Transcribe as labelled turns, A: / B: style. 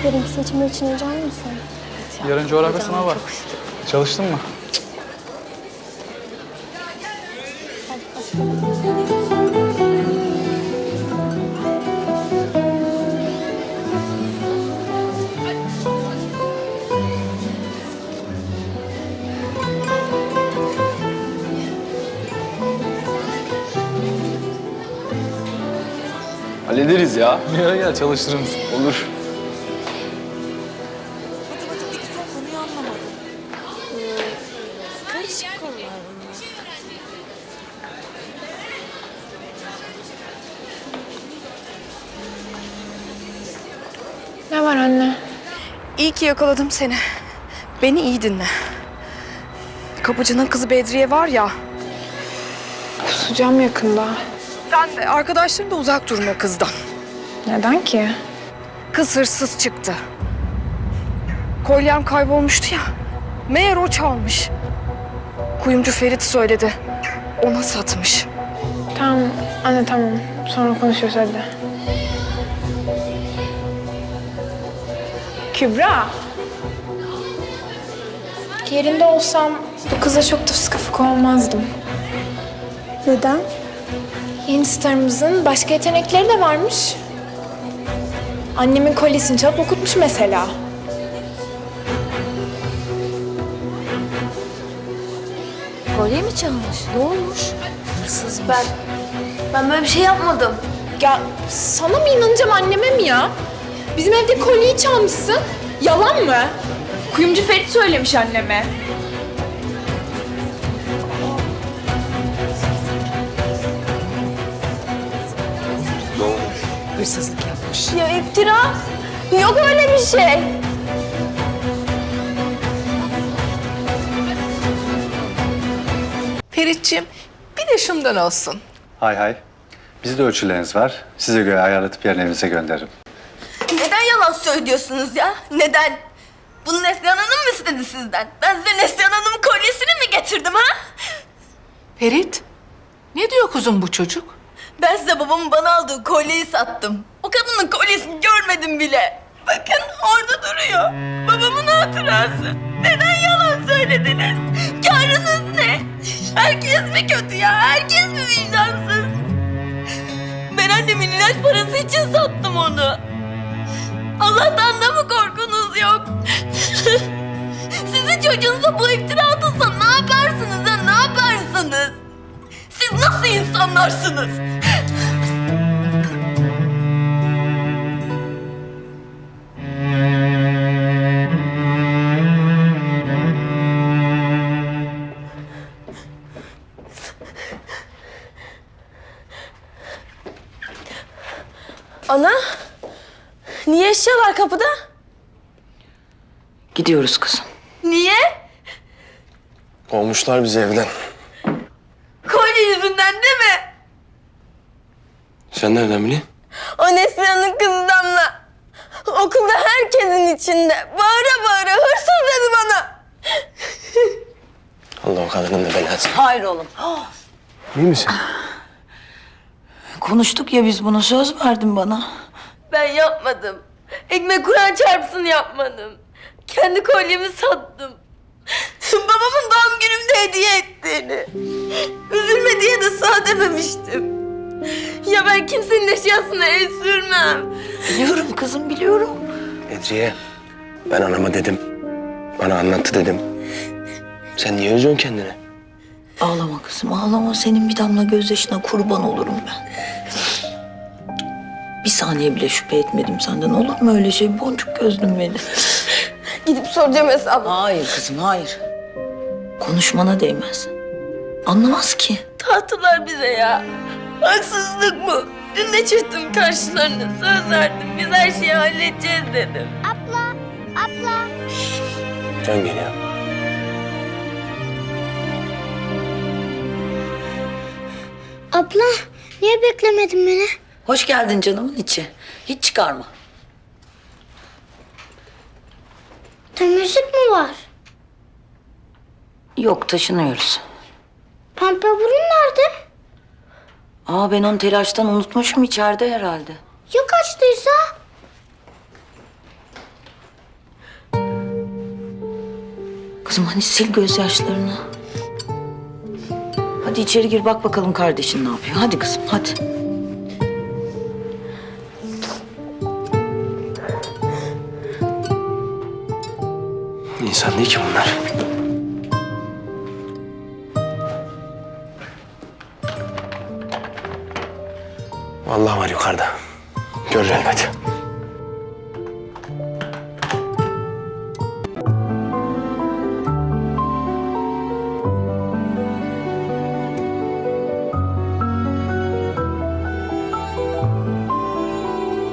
A: Yarınki seçimler için heyecanlı mısın?
B: Evet, yarın coğrafya sınavı var. Çalıştın mı?
C: Hallederiz ya.
B: Gel çalıştırırız.
C: Olur.
D: Matematikteki son konuyu anlamadım. Karışık konular bunlar.
A: Ne var anne?
D: İyi ki yakaladım seni. Beni iyi dinle. Kapıcının kızı Bedriye var ya.
A: Kusacağım yakında.
D: Sen de arkadaşların da uzak durun o kızdan.
A: Neden ki?
D: Kız hırsız çıktı. Kolyem kaybolmuştu ya. Meğer o çalmış. Kuyumcu Ferit söyledi. Ona satmış.
A: Tamam anne tamam. Sonra konuşuruz hadi. Kübra. Yerinde olsam bu kıza çok da sıkı fıkı olmazdım. Neden? Yeni starımızın başka yetenekleri de varmış. Annemin kolyesini çalıp okutmuş mesela.
E: Kolye mi çalmış? Ne olmuş? Hırsız ben böyle bir şey yapmadım.
A: Ya sana mı inanacağım anneme mi ya? Bizim evde kolyeyi çalmışsın. Yalan mı? Kuyumcu Ferit söylemiş anneme.
D: Hırsızlık yapmış.
E: Ya iftira. Yok öyle bir şey.
F: Ferit'ciğim bir de şundan olsun.
G: Hay hay. Bizde ölçüleriniz var. Size göre ayarlatıp yarın evinize gönderirim.
E: Neden yalan söylüyorsunuz ya? Neden? Bunu Neslihan Hanım mı istedi sizden? Ben size Neslihan Hanım'ın kolyesini mi getirdim ha?
F: Ferit, ne diyor kuzum bu çocuk?
E: Ben size babamın bana aldığı kolyeyi sattım. O kadının kolyesini görmedim bile. Bakın orada duruyor. Babamın hatırası. Neden yalan söylediniz? Karınız ne? Herkes mi kötü ya? Herkes mi vicdansız? Ben annemin ilaç parası için sattım onu. Allah'tan da mı korkunuz yok? Sizin çocuğunuza bu iftira atılsa ne yaparsınız ha? Ne yaparsınız? Siz nasıl insanlarsınız? Ana, niye eşyalar kapıda?
H: Gidiyoruz kızım.
E: Niye?
C: Kovmuşlar bizi evden.
E: Kolye yüzünden değil mi?
C: Sen nereden biliyorsun?
E: O Neslihan'ın kızı Damla. Okulda herkesin içinde. Bağıra bağıra hırsız dedi bana.
C: Allah o kadının da belası.
H: Hayır oğlum.
C: İyi misin?
H: Konuştuk ya biz bunu, söz verdin bana.
E: Ben yapmadım. Ekmek Kur'an çarpsın yapmadım. Kendi kolyemi sattım. Babamın doğum günümde hediye ettiğini. Üzülme diye de sağ dememiştim. Ya ben kimsenin eşyasına el sürmem.
H: Biliyorum kızım, biliyorum.
C: Bedriye, ben anama dedim. Bana anlattı dedim. Sen niye üzüyorsun kendini?
H: Ağlama kızım, ağlama. Senin bir damla gözyaşına kurban olurum ben. Bir saniye bile şüphe etmedim senden. Olur mu öyle şey? Boncuk gözlüm benim.
E: Gidip soracağım hesabı.
H: Hayır kızım, hayır. Konuşmana değmez. Anlamaz ki.
E: Tahtılar bize ya. Haksızlık bu. Dün de çıktım karşılarına. Söz verdim. Biz her şeyi halledeceğiz dedim.
C: Can geliyor.
I: Abla, niye beklemedin beni?
H: Hoş geldin canımın içi. Hiç çıkarma.
I: Temizlik mi var?
H: Yok, taşınıyoruz.
I: Pembe burun nerede?
H: Ben onu telaştan unutmuşum, içeride herhalde.
I: Ya kaçtıysa?
H: kızım hadi sil gözyaşlarını. Hadi içeri gir bak bakalım kardeşin ne yapıyor. Hadi kızım hadi.
C: İnsan değil ki bunlar. Vallahi var yukarıda. Görür elbet.